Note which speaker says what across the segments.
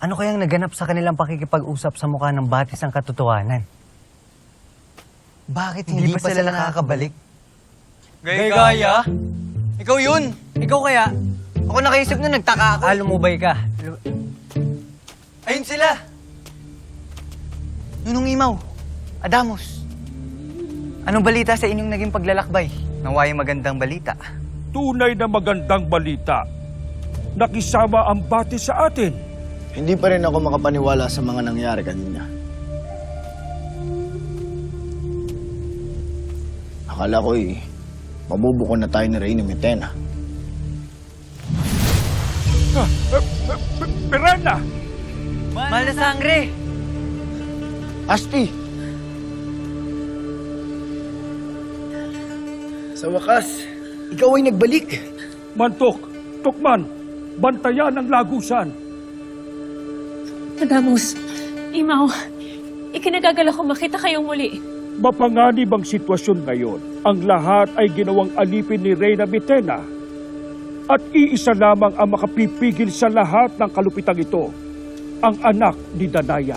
Speaker 1: Ano kayang naganap sa kanilang pakikipag-usap sa mukha ng batis ang katotohanan? Bakit hindi pa sila nakakabalik?
Speaker 2: Gaya? Ikaw yun!
Speaker 1: Ikaw kaya?
Speaker 2: Ako nakaisip na nagtaka ako.
Speaker 1: Lumubay ka.
Speaker 2: Ayun sila! Nunong Imaw, Adamos. Anong balita sa inyong naging paglalakbay? Naway magandang balita.
Speaker 3: Tunay na magandang balita. Nakisama ang batis sa atin.
Speaker 4: Hindi pa rin ako makapaniwala sa mga nangyari kanina. Akala ko'y mabubuko na tayo ni Reyna Mitena.
Speaker 3: Miranda!
Speaker 2: Mahal na sangre!
Speaker 4: Asti! Sa wakas, ikaw ay nagbalik.
Speaker 3: Mantok, Tukman, bantayan ang lagusan.
Speaker 5: Adamos, Imaw, ikinagagal ako makita kayong muli.
Speaker 3: Mapanganib ang sitwasyon ngayon. Ang lahat ay ginawang alipin ni Reyna Mitena. At iisa lamang ang makapipigil sa lahat ng kalupitang ito. Ang anak ni Danaya.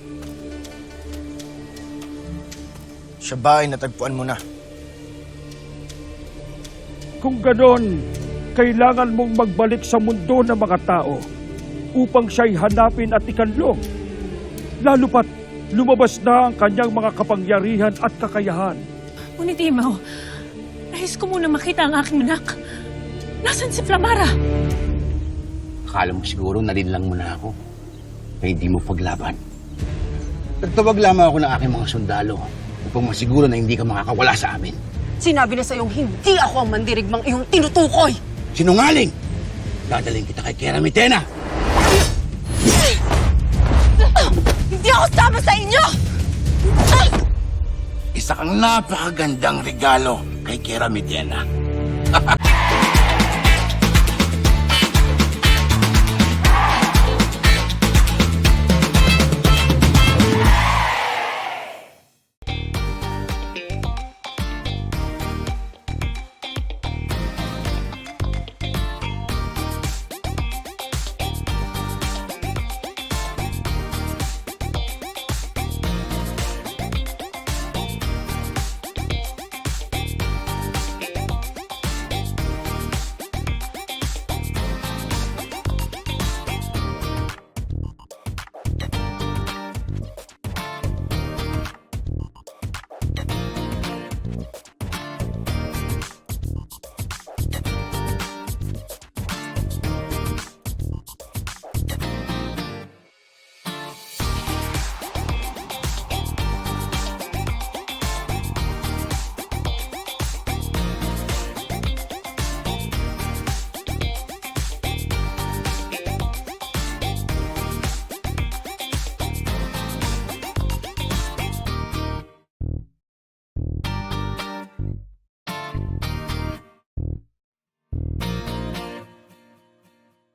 Speaker 4: Siya ba ay natagpuan mo na?
Speaker 3: Kung ganon, kailangan mong magbalik sa mundo ng mga tao upang siya'y hanapin at ikanlong. Lalo pat lumabas na ang kanyang mga kapangyarihan at kakayahan.
Speaker 5: Ngunit Imaw, nais ko muna makita ang aking anak. Nasaan si Flamara?
Speaker 6: Akala mo siguro nalinlang mo na ako. Kaya hindi mo paglaban. Nagtawag lamang ako ng aking mga sundalo upang masiguro na hindi ka makakawala sa amin.
Speaker 7: Sinabi na sa'yong hindi ako ang mandirigmang iyong tinutukoy!
Speaker 6: Sinungaling! Dadaling kita kay Kera Mitena!
Speaker 7: Hindi ako sama sa inyo!
Speaker 6: Isa kang napakagandang regalo kay Kera Mitena.